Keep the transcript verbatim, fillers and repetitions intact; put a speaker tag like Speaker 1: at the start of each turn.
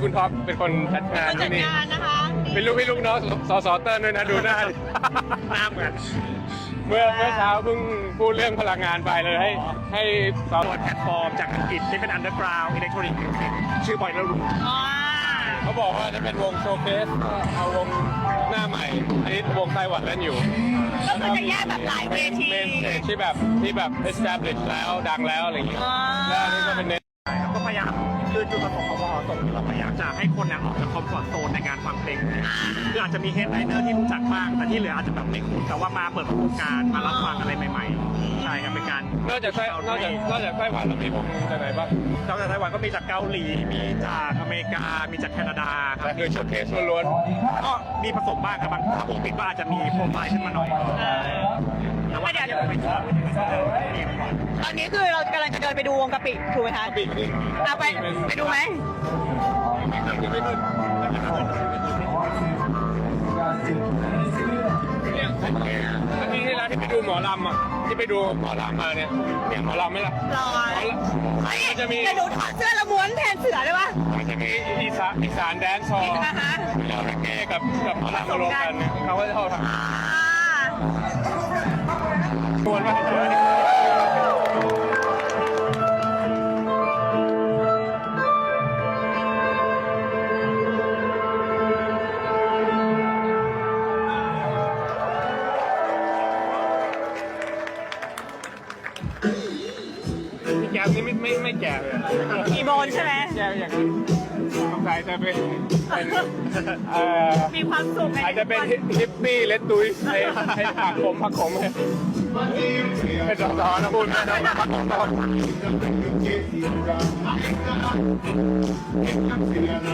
Speaker 1: คุณท็อปเป็นคนจัดงาน
Speaker 2: จั
Speaker 1: ที่
Speaker 2: ด
Speaker 1: นี่
Speaker 2: งานนะคะ
Speaker 1: เป็นลูกพี่ลูกน้องสสเติ้ลด้วยนะดูหน้า
Speaker 3: หน้าเหมือน
Speaker 1: เมื่อเมื่อเช้าเพิ่งพูดเรื่องพลังงานไปเลยให้ให้ส
Speaker 3: โดยแพลตฟอร์มจากอังกฤษที่เป็น underground electronic music ชื่อ Boiler Room
Speaker 2: อ๋อ
Speaker 1: เขาบอกว่าจะเป็นวงโชว์เคสเอาวงหน้าใหม่อันนี้วงไต้หวันเล่นอยู่
Speaker 2: ก็คือจะแยกแบบหลายเวที
Speaker 1: เมนสเตจที่แบบที่แบบ establish แล้วดังแล้วอะไรอย่างเงี้ย
Speaker 2: อ๋อ
Speaker 1: แล้วอันนี้ก็เป็นเน้น
Speaker 3: ครับก็พยายามคือจุดประสงค์ของวอตกเราพยายามจะให้คนเนี่ยออกจากคอมฟอร์ตโซนในการฟังเพลงคืออาจจะมีเฮดไลเนอร์ที่รู้จักบ้างแต่ที่เหลืออาจจะแบบไม่คุ้นแต่ว่ามาเปิดประสบการณ์มารับฟังอะไรใหม่ๆใช่ครับเป็นการ
Speaker 1: นอกจากไต้นอกจากนอกจากไต้หวันเรามีวงจากไหนบ้าง
Speaker 3: นอกจากไต้หวันก็มีจากเกาหลีมีจากอเมริกามีจากแคนาดาครั
Speaker 1: แต่
Speaker 3: บ
Speaker 1: คือโชว์เคสล้วน
Speaker 3: ก็มีผสมบ้างครับบางถ้าผมปิดก็อาจจะมีโปรไฟล์ขึ้นมาหน่อยแต่ว่าเดี๋ยวไปชอบ
Speaker 2: ตอนนี้คือเรากำลังจะเดินไปดูวงกะปิถูกไหมคะ
Speaker 1: ๆปีกนี่
Speaker 2: เอาไปไปดูไหม
Speaker 1: ไม่ขึ้นเนี่ยอาทิตย์ที่แล้วที่ไปดูหมอลำอ่ะที่ไปดูหมอลำมาเนี่ยเนี่ยหมอลำไหมล่ะ
Speaker 2: รอ
Speaker 1: หมอลำ
Speaker 2: เฮ้ย
Speaker 1: มันจะมี
Speaker 2: เดี๋ยวหนูถอดเสื้อแล้วม้วนแทนเสือได้ปะ
Speaker 1: มันจะมีอีสานอีสานแดนซ์ซอ
Speaker 2: อ่าฮะ
Speaker 1: แกกับกับหมอลำมารวมกันเนี่ยเขาก็จะเข้าทาง
Speaker 2: อ่า
Speaker 1: ชวนมาพี่แก้วนี่ไม่ไม่ไม่แก่เลย
Speaker 2: มีโบนใช่ไหม
Speaker 1: แก่อย่างนั้นสงสัยจะเป็นเป็นเอ่อ
Speaker 2: มีความสุขไง
Speaker 1: อาจจะเป็นฮิปปี้เลตตุยให้ให้ผักผมผักผมเป็นสอสอนะพูดนะผักผม